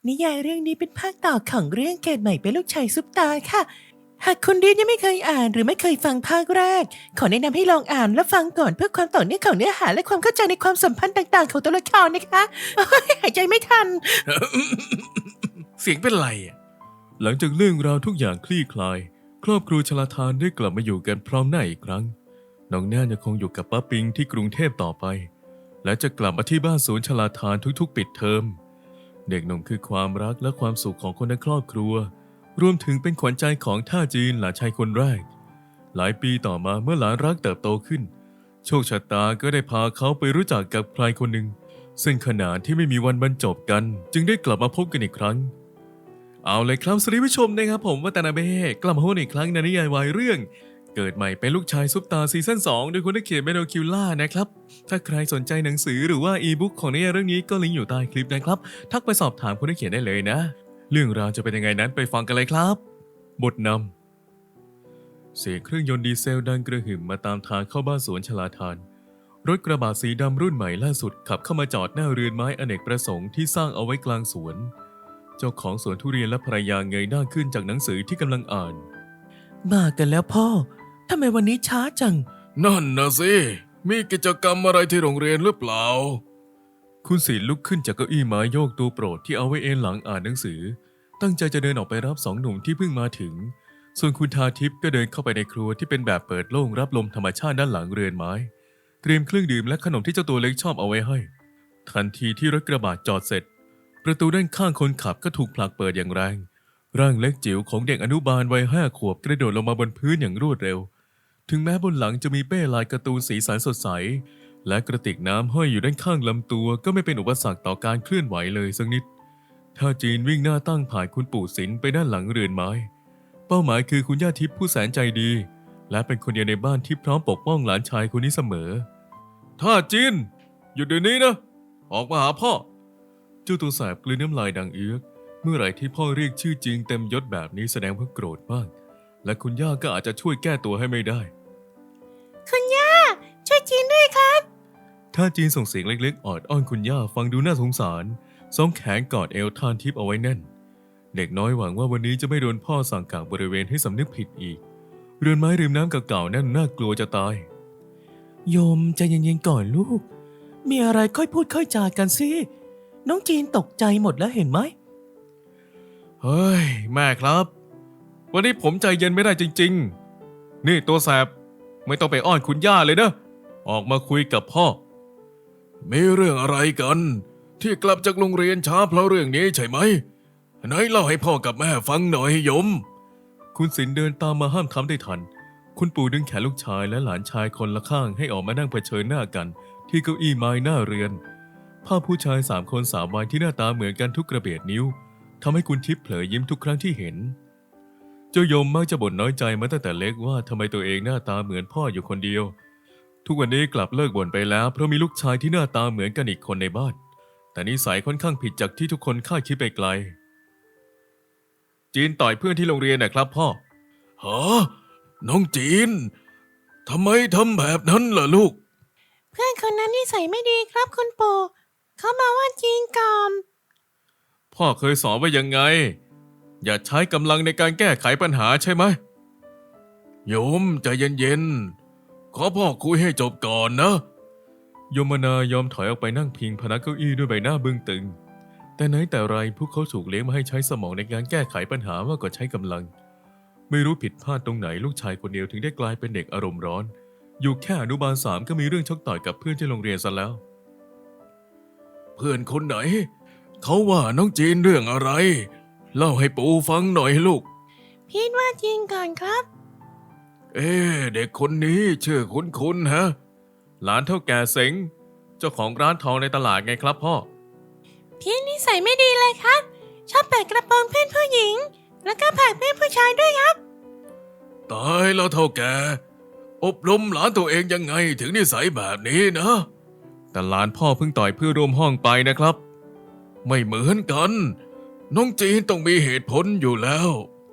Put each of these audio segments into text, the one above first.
นิยายเรื่องนี้เป็นภาคต่อของเรื่องเกิดใหม่เป็นลูกชายซุปตาค่ะหากคุณดีนยังไม่เคยอ่านหรือไม่เคยฟังภาคแรกขอแนะนำให้ลองอ่านและฟังก่อนเพื่อความต่อเนื่องของเนื้อหาและความเข้าใจในความสัมพันธ์ต่างๆของตัวละครนะคะหายใจไม่ทันเสียงเป็นไรอ่ะหลังจากเรื่องราวทุกอย่างคลี่คลายครอบครัวชลทานได้กลับมาอยู่กันพร้อมหน้าอีกครั้งน้องแน่นยังคงอยู่กับป้าปิงที่กรุงเทพต่อไปและจะกลับมาที่บ้านศูนย์ชลทานทุกๆปิดเทอมเด็กหนุ่มคือความรักและความสุขของคนในครอบครัวรวมถึงเป็นขวัญใจของท่าจีนหลานชายคนแรกหลายปีต่อมาเมื่อหลานรักเติบโตขึ้นโชคชะตาก็ได้พาเขาไปรู้จักกับใครคนหนึ่งซึ่งขณะที่ไม่มีวันบรรจบกันจึงได้กลับมาพบกันอีกครั้งเอาเลยครับสวัสดีผู้ชมนะครับผมวัตนาเบ้กลับมาพบกันอีกครั้งในนิยายวายเรื่องเกิดใหม่เป็นลูกชายซุปตาซีซั่น2โดยคนที่เขียนเมโนคิวล่านะครับถ้าใครสนใจหนังสือหรือว่าอีบุ๊กของนิยายเรื่องนี้ก็ลิงก์อยู่ใต้คลิปนะครับทักไปสอบถามคนที่เขียนได้เลยนะเรื่องราวจะเป็นยังไงนั้นไปฟังกันเลยครับบทนำเสียงเครื่องยนต์ดีเซลดังกระหึ่มมาตามทางเข้าบ้านสวนชลาทานรถกระบะสีดำรุ่นใหม่ล่าสุดขับเข้ามาจอดหน้าเรือนไม้อเนกประสงค์ที่สร้างเอาไว้กลางสวนเจ้าของสวนทุเรียนและภรรยาเงยหน้าขึ้นจากหนังสือที่กำลังอ่านมากันแล้วพ่อทำไมวันนี้ช้าจังนั่นนะสิมีกิจกรรมอะไรที่โรงเรียนหรือเปล่าคุณศิลป์ลุกขึ้นจากเก้าอี้ไม้โยกตัวโปรดที่เอาไว้เอนหลังอ่านหนังสือตั้งใจจะเดินออกไปรับสองหนุ่มที่เพิ่งมาถึงส่วนคุณทาทิพย์ก็เดินเข้าไปในครัวที่เป็นแบบเปิดโล่งรับลมธรรมชาติด้านหลังเรือนไม้เตรียมเครื่องดื่มและขนมที่เจ้าตัวเล็กชอบเอาไว้ให้ทันทีที่รถกระบะจอดเสร็จประตูด้านข้างคนขับก็ถูกผลักเปิดอย่างแรงร่างเล็กจิ๋วของเด็กอนุบาลวัย5 ขวบกระโดดลงมาบนพื้นอย่างรวดเร็วถึงแม้บนหลังจะมีเป้ลายการ์ตูนสีสันสดใสและกระติกน้ำห้อยอยู่ด้านข้างลำตัวก็ไม่เป็นอุปสรรคต่อการเคลื่อนไหวเลยสักนิดท่าจีนวิ่งหน้าตั้งผ่านคุณปู่ศิลป์ไปด้านหลังเรือนไม้เป้าหมายคือคุณย่าทิพย์ผู้แสนใจดีและเป็นคนเดียวในบ้านที่พร้อมปกป้องหลานชายคนนี้เสมอท่าจีนหยุดเดี๋ยวนี้นะออกมาหาพ่อเจ้าตัวแสบกลืนน้ำลายดังเอื้อกเมื่อไหร่ที่พ่อเรียกชื่อจริงเต็มยศแบบนี้แสดงว่าโกรธมากและคุณย่าก็อาจจะช่วยแก้ตัวให้ไม่ได้คุณย่าช่วยจีนด้วยครับท่าจีนส่งเสียงเล็กๆออดอ้อนคุณย่าฟังดูน่าสงสารสองแขนกอดเอวทานทิพย์เอาไว้แน่นเด็กน้อยหวังว่าวันนี้จะไม่โดนพ่อสั่งกักบริเวณให้สำนึกผิดอีกเรือนไม้ริมน้ำเก่าๆนั่นน่ากลัวจะตายโยมใจเย็นๆก่อนลูกมีอะไรค่อยพูดค่อยจากันสิน้องจีนตกใจหมดแล้วเห็นไหมเฮ้ยแม่ครับวันนี้ผมใจเย็นไม่ได้จริงๆนี่ตัวแสบไม่ต้องไปอ้อนคุณย่าเลยนะออกมาคุยกับพ่อมีเรื่องอะไรกันที่กลับจากโรงเรียนช้าเพราะเรื่องนี้ใช่ไหมไหนเล่าให้พ่อกับแม่ฟังหน่อยยมคุณศิลป์เดินตามมาห้ามทับได้ทันคุณปู่ดึงแขนลูกชายและหลานชายคนละข้างให้ออกมานั่งเผชิญหน้ากันที่เก้าอี้ไม้หน้าเรือนภาพผู้ชาย3 คน3 วัยที่หน้าตาเหมือนกันทุกกระเบียดนิ้วทำให้คุณทิพย์เผลอยิ้มทุกครั้งที่เห็นเจ้ายมมักจะบ่นน้อยใจมาตั้งแต่เล็กว่าทำไมตัวเองหน้าตาเหมือนพ่ออยู่คนเดียวทุกวันนี้กลับเลิกบ่นไปแล้วเพราะมีลูกชายที่หน้าตาเหมือนกันอีกคนในบ้านแต่นิสัยค่อนข้างผิดจากที่ทุกคนคาดคิดไปไกลจีนต่อยเพื่อนที่โรงเรียนนะครับพ่อฮะน้องจีนทำไมทำแบบนั้นล่ะลูกเพื่อนคนนั้นนิสัยไม่ดีครับคุณปู่เขามาว่าจีนก่อนพ่อเคยสอนว่ายังไงอย่าใช้กำลังในการแก้ไขปัญหาใช่ไหมโยมใจเย็นๆขอพ่อคุยให้จบก่อนนะโยมนายอมถอยออกไปนั่งพิงพนักเก้าอี้ด้วยใบหน้าบึ้งตึงแต่ไหนแต่ไรพวกเขาถูกเลี้ยงมาให้ใช้สมองในการแก้ไขปัญหามากกว่าใช้กำลังไม่รู้ผิดพลาดตรงไหนลูกชายคนเดียวถึงได้กลายเป็นเด็กอารมณ์ร้อนอยู่แค่อนุบาล3ก็มีเรื่องชกต่อยกับเพื่อนที่โรงเรียนซะแล้วเพื่อนคนไหนเขาว่าน้องจีนเรื่องอะไรเล่าให้ปู่ฟังหน่อยลูกพี่ว่าจีนก่อนครับเด็กคนนี้ชื่อคุ้นๆฮะหลานเท่าแก่เสงเจ้าของร้านทองในตลาดไงครับพ่อพี่นิสัยไม่ดีเลยครับชอบแปะกระโปรงเพื่อนผู้หญิงแล้วก็ผลักเพื่อนผู้ชายด้วยครับตายแล้วเท่าแก่อบรมหลานตัวเองยังไงถึงนิสัยแบบนี้นะแต่หลานพ่อเพิ่งต่อยเพื่อร่วมห้องไปนะครับไม่เหมือนกันน้องจีนต้องมีเหตุผลอยู่แล้ว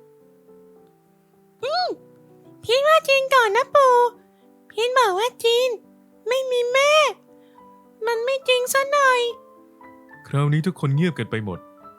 พี่ว่าจีนก่อนนะปู่พี่บอกว่าจีนไม่มีแม่มันไม่จริงซะหน่อยคราวนี้ทุกคนเงียบกันไปหมด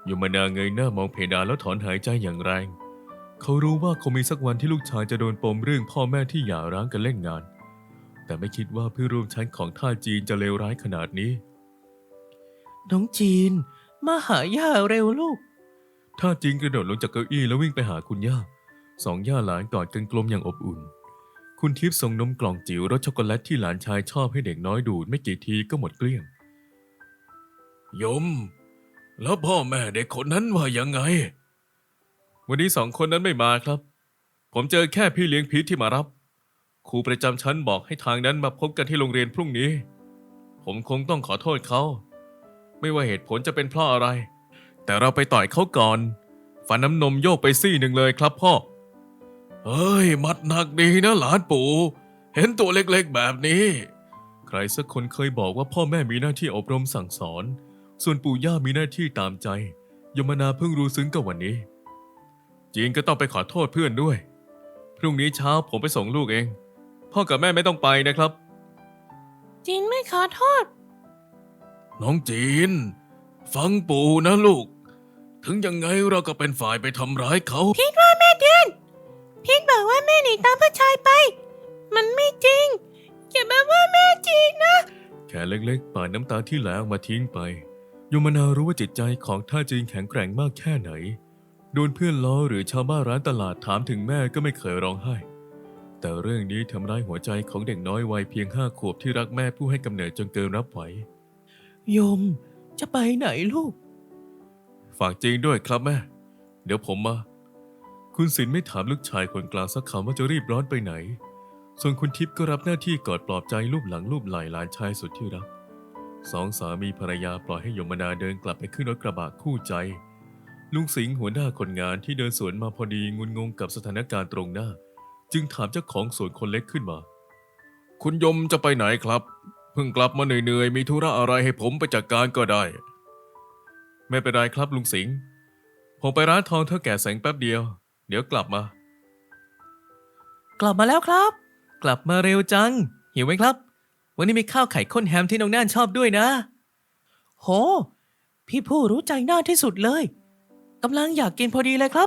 ยมนาเงยหน้ามองเพดานแล้วถอนหายใจอย่างแรง เขารู้ว่าคงมีสักวันที่ลูกชายจะโดนปมเรื่องพ่อแม่ที่หย่าร้างกันเล่นงาน แต่ไม่คิดว่าเพื่อนร่วมชั้นของท่าจีนจะเลวร้ายขนาดนี้น้องจีน มาหาย่าเร็วลูกท่าจีนกระโดดลงจากเก้าอี้แล้ววิ่งไปหาคุณย่า สองย่าหลานกอดกันกลมอย่างอบอุ่น คุณทิพย์ส่งนมกล่องจิ๋วรสช็อกโกแลตที่หลานชายชอบให้เด็กน้อยดูดไม่กี่ทีก็หมดเกลี้ยงยม แล้วพ่อแม่เด็กคนนั้นว่ายังไงวันนี้2 คนนั้นไม่มาครับ ผมเจอแค่พี่เลี้ยงพีทที่มารับ ครูประจำชั้นบอกให้ทางนั้นมาพบกันที่โรงเรียนพรุ่งนี้ ผมคงต้องขอโทษเขา ไม่ว่าเหตุผลจะเป็นเพราะอะไร แต่เราไปต่อยเขาก่อน ฟันน้ำนมโยกไปซี่หนึ่งเลยครับพ่อเฮ้ย มัดหนักดีนะหลานปู่เห็นตัวเล็กๆแบบนี้ใครสักคนเคยบอกว่าพ่อแม่มีหน้าที่อบรมสั่งสอน ส่วนปู่ย่ามีหน้าที่ตามใจ ยมนาเพิ่งรู้ซึ้งกับวันนี้ จีนก็ต้องไปขอโทษเพื่อนด้วย พรุ่งนี้เช้าผมไปส่งลูกเอง พ่อกับแม่ไม่ต้องไปนะครับจีนไม่ขอโทษน้องจีน ฟังปู่นะลูก ถึงยังไงเราก็เป็นฝ่ายไปทำร้ายเขาพีทบอกว่าแม่หนีตามผู้ชายไป มันไม่จริงอย่ามาว่าแม่จีนนะแค่เล็กๆปาดน้ำตาที่ไหลออกมาทิ้งไป ยมนารู้ว่าจิตใจของท่าจีนแข็งแกร่งมากแค่ไหน โดนเพื่อนล้อหรือชาวบ้านร้านตลาดถามถึงแม่ก็ไม่เคยร้องไห้ แต่เรื่องนี้ทำร้ายหัวใจของเด็กน้อยวัยเพียง5 ขวบที่รักแม่ผู้ให้กำเนิดจนเกินรับไหวโยม จะไปไหนลูกฝากจีนด้วยครับแม่ เดี๋ยวผมมา คุณศิลป์ไม่ถามลูกชายคนกลางสักคำว่าจะรีบร้อนไปไหน ส่วนคุณทิพย์ก็รับหน้าที่กอดปลอบใจลูบหลังลูบไหล่หลานชายสุดที่รัก 2 สามีภรรยาปล่อยให้ยมนาเดินกลับไปขึ้นรถกระบะคู่ใจ ลุงสิงห์หัวหน้าคนงานที่เดินสวนมาพอดีงุนงงกับสถานการณ์ตรงหน้า จึงถามเจ้าของสวนคนเล็กขึ้นมาคุณยมจะไปไหนครับ เพิ่งกลับมาเหนื่อยๆมีธุระอะไรให้ผมไปจัดการก็ได้ไม่เป็นไรครับลุงสิงห์ผมไปร้านทองเท่าแก่แสงแป๊บเดียว เดี๋ยวกลับมากลับมาแล้วครับ กลับมาเร็วจัง หิวไหมครับ วันนี้มีข้าวไข่ข้นแฮมที่น้องน่านชอบด้วยนะ โห พี่ผู้รู้ใจน่านที่สุดเลยกำลังอยากกินพอดีเลยครับ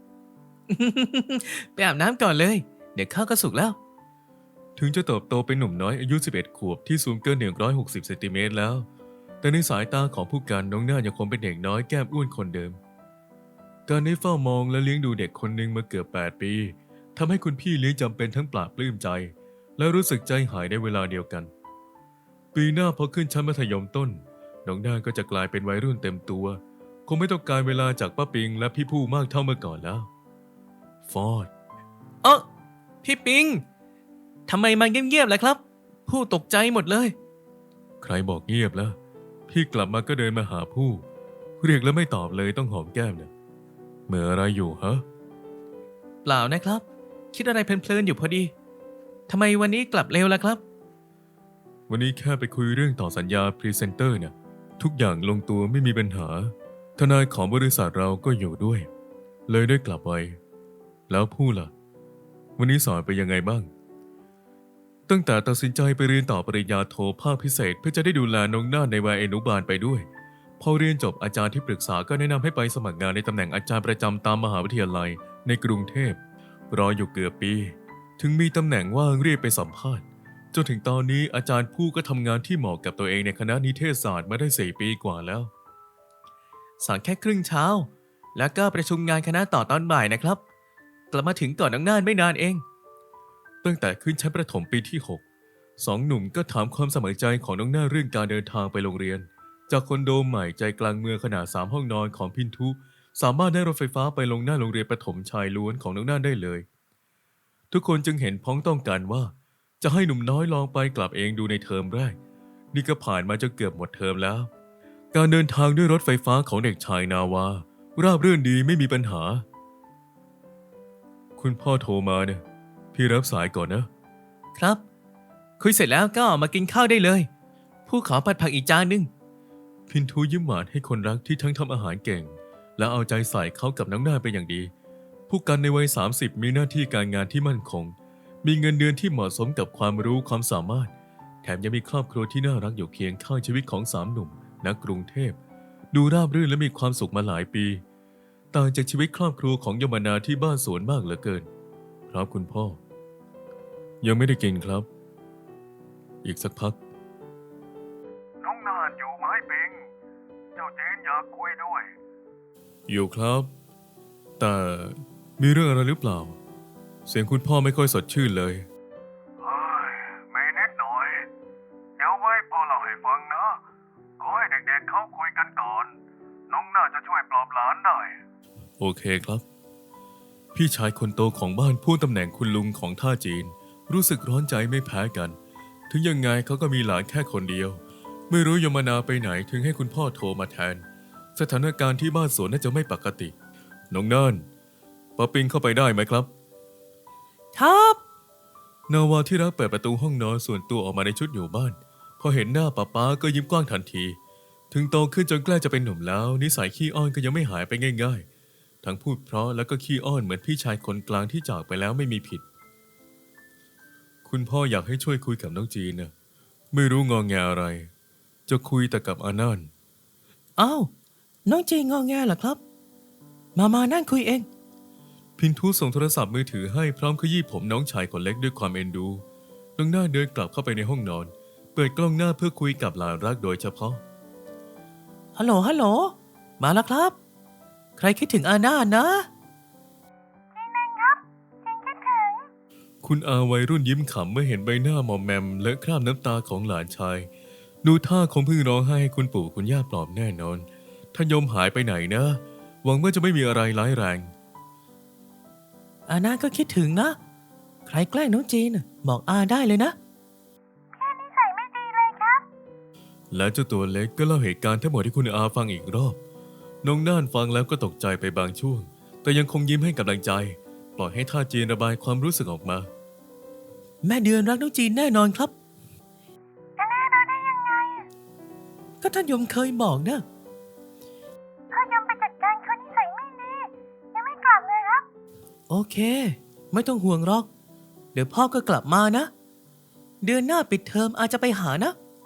ไปอาบน้ำก่อนเลย เดี๋ยวข้าวก็สุกแล้วถึงจะเติบโตเป็นหนุ่มน้อยอายุ 11 ขวบที่สูงเกิน 160 เซนติเมตรแล้ว แต่ในสายตาของผู้การน้องน่านยังคงเป็นเด็กน้อยแก้มอ้วนคนเดิม การได้เฝ้ามองและเลี้ยงดูเด็กคนหนึ่งมาเกือบ 8 ปีทำให้คุณพี่เลี้ยงจำเป็นทั้งปลาบปลื้มใจ และรู้สึกใจหายในเวลาเดียวกัน ปีหน้าพอขึ้นชั้นมัธยมต้น น้องน่านก็จะกลายเป็นวัยรุ่นเต็มตัว คงไม่ต้องการเวลาจากป้าปิงและพี่ผู้มากเท่าเมื่อก่อนแล้ว ฟอร์ดพี่ปิงทำไมมาเงียบๆล่ะครับ ผู้ตกใจหมดเลยใครบอกเงียบแล้ว พี่กลับมาก็เดินมาหาผู้ เรียกแล้วไม่ตอบเลยต้องหอมแก้มเนี่ยเหมื่ออะไรอยู่ฮะเปล่านะครับ คิดอะไรเพลินๆอยู่พอดีทำไมวันนี้กลับเร็วล่ะครับวันนี้แค่ไปคุยเรื่องต่อสัญญาพรีเซนเตอร์เนี่ยทุกอย่างลงตัวไม่มีปัญหา ทนายของบริษัทเราก็อยู่ด้วย เลยได้กลับไปแล้วผู้ล่ะ วันนี้สอนไปยังไงบ้าง ตั้งแต่ตัดสินใจไปเรียนต่อปริญญาโทภาคพิเศษเพื่อจะได้ดูแลน้องน่านในวัยอนุบาลไปด้วย พอเรียนจบอาจารย์ที่ปรึกษาก็แนะนำให้ไปสมัครงานในตำแหน่งอาจารย์ประจำตามมหาวิทยาลัยในกรุงเทพรออยู่เกือบปี ถึงมีตำแหน่งว่างเรียกไปสัมภาษณ์จนถึงตอนนี้อาจารย์ผู้ก็ทำงานที่เหมาะกับตัวเองในคณะนิเทศศาสตร์มาได้4 ปีกว่าแล้วสอนแค่ครึ่งเช้า แล้วก็ประชุมงานคณะต่อตอนบ่ายนะครับ กลับมาถึงก่อนน้องน่านไม่นานเองตั้งแต่ขึ้นชั้นประถมปีที่ 6 2 หนุ่มก็ถามความสมัครใจของน้องน่านเรื่องการเดินทางไปโรงเรียน จากคอนโดใหม่ใจกลางเมืองขนาด3 ห้องนอนของพินทุสามารถได้รถไฟฟ้าไปลงหน้าโรงเรียนประถมชายล้วนของน้องน่านได้เลย ทุกคนจึงเห็นพ้องต้องกันว่า จะให้หนุ่มน้อยลองไปกลับเองดูในเทอมแรก นี่ก็ผ่านมาจนเกือบหมดเทอมแล้ว การเดินทางด้วยรถไฟฟ้าของเด็กชายนาวาราบรื่นดีไม่มีปัญหา คุณพ่อโทรมาเนี่ยพี่รับสายก่อนนะครับ คุยเสร็จแล้วก็มากินข้าวได้เลย ผู้ขอผัดผักอีกจานหนึงพินทุยิ้มหวานให้คนรักที่ทั้งทำอาหารเก่ง และเอาใจใส่เขากับน้องน่านเป็นอย่างดี ผู้กันในวัย 30 มีหน้าที่การงานที่มั่นคง มีเงินเดือนที่เหมาะสมกับความรู้ความสามารถ แถมยังมีครอบครัวที่น่ารักอยู่เคียงข้างชีวิตของ3 หนุ่มณกรุงเทพดูราบรื่นและมีความสุขมาหลายปี ต่างจากชีวิตครอบครัวของยมนาที่บ้านสวนมากเหลือเกิน ครับคุณพ่อ ยังไม่ได้กินครับ อีกสักพักน้องนานอยู่ไหมปิง เจ้าจีนอยากคุยด้วยอยู่ครับ แต่มีเรื่องอะไรหรือเปล่า เสียงคุณพ่อไม่ค่อยสดชื่นเลยเฮ้ยมีนิดหน่อย เดี๋ยวไว้พ่อเล่าให้ฟังนะ ขอให้เด็กๆเขาคุยกันก่อน น้องน่าจะช่วยปลอบหลานได้โอเคครับ พี่ชายคนโตของบ้านผู้ตำแหน่งคุณลุงของท่าจีน รู้สึกร้อนใจไม่แพ้กัน ถึงยังไงเขาก็มีหลานแค่คนเดียว ไม่รู้ยมนาไปไหนถึงให้คุณพ่อโทรมาแทน สถานการณ์ที่บ้านสวนน่าจะไม่ปกติ น้องน่านป้าปิงเข้าไปได้ไหมครับครับนาวาที่รักเปิดประตูห้องนอนส่วนตัวออกมาในชุดอยู่บ้าน พอเห็นหน้าป๊าก็ยิ้มกว้างทันที ถึงโตขึ้นจนใกล้จะเป็นหนุ่มแล้ว นิสัยขี้อ้อนก็ยังไม่หายไปง่ายๆ ทั้งพูดเพราะแล้วก็ขี้อ้อนเหมือนพี่ชายคนกลางที่จากไปแล้วไม่มีผิด คุณพ่ออยากให้ช่วยคุยกับน้องจีนนะไม่รู้งอแงอะไร จะคุยแต่กับอานันต์อ้าว น้องจีงอแงเหรอครับ มานั่งคุยเองพินทุส่งโทรศัพท์มือถือให้พร้อมขยี้ผมน้องชายคนเล็กด้วยความเอ็นดู น้องหน้าเดินกลับเข้าไปในห้องนอน เปิดกล้องหน้าเพื่อคุยกับหลานรักโดยเฉพาะฮัลโหล มาแล้วครับ ใครคิดถึงอาน่านะคุณอาวัยรุ่นยิ้มขำเมื่อเห็นใบหน้าหมอมแมมและคราบน้ำตาของหลานชาย ดูท่าคงเพิ่งร้องไห้ให้คุณปู่คุณย่าปลอบแน่นอน ท่านยมหายไปไหนนะ หวังว่าจะไม่มีอะไรร้ายแรงอาน่าก็คิดถึงนะ ใครแกล้งน้องจีนบอกอาได้เลยนะและเจ้าตัวเล็กก็เล่าเหตุการณ์ทั้งหมดให้คุณอาฟังอีกรอบ น้องน่านฟังแล้วก็ตกใจไปบางช่วง แต่ยังคงยิ้มให้กำลังใจ ปล่อยให้ท่าจีนระบายความรู้สึกออกมาแม่เดือนรักน้องจีนแน่นอนครับจะแน่นอนได้ยังไงก็ท่านยมเคยบอกนะพ่อยอมไปจัดการคนนิสัยไม่ดี ยังไม่กลับเลยครับโอเค ไม่ต้องห่วงหรอก เดี๋ยวพ่อก็กลับมานะ เดือนหน้าปิดเทอมอาจจะไปหานะ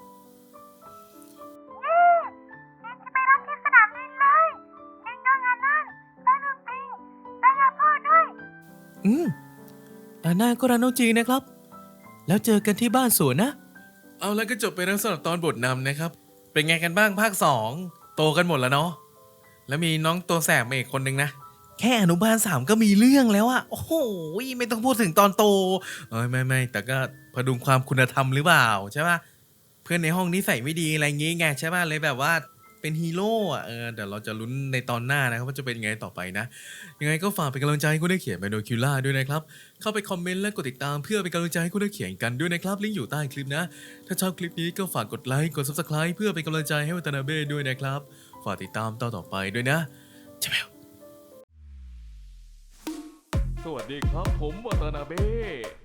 เรียนจะไปรับที่สนามบินเลยยิงน้องอานันต์และลุงปิงและยาพ่อด้วยอาน่าก็รักน้องจีนนะครับ แล้วเจอกันที่บ้านสวนนะเอาแล้วก็จบไปแล้วสำหรับตอนบทนำนะครับ เป็นไงกันบ้างภาค 2 โตกันหมดแล้วเนาะ แล้วมีน้องตัวแสบมาอีกคนนึงนะ แค่อนุบาล 3 ก็มีเรื่องแล้วอะโอ้โหไม่ต้องพูดถึงตอนโตไม่แต่ก็พดุงความคุณธรรมหรือเปล่าใช่ป่ะ เพื่อนในห้องนิสัยไม่ดีอะไรอย่างงี้ไงใช่ป่ะเลยแบบว่าเป็นฮีโร่อะเดี๋ยวเราจะลุ้นในตอนหน้านะครับว่าจะเป็นไงต่อไปนะ ยังไงก็ฝากเป็นกำลังใจให้คุณได้เขียนไบโนคิวล่าด้วยนะครับ เข้าไปคอมเมนต์และกดติดตามเพื่อเป็นกำลังใจให้คุณได้เขียนกันด้วยนะครับ ลิงก์อยู่ใต้คลิปนะ ถ้าชอบคลิปนี้ก็ฝากกดไลค์ กด Subscribe เพื่อเป็นกำลังใจให้วัตนาเบ้ด้วยนะครับ ฝากติดตามตอนต่อไปด้วยนะเจ้าสวัสดีครับผมวัตนาเบ้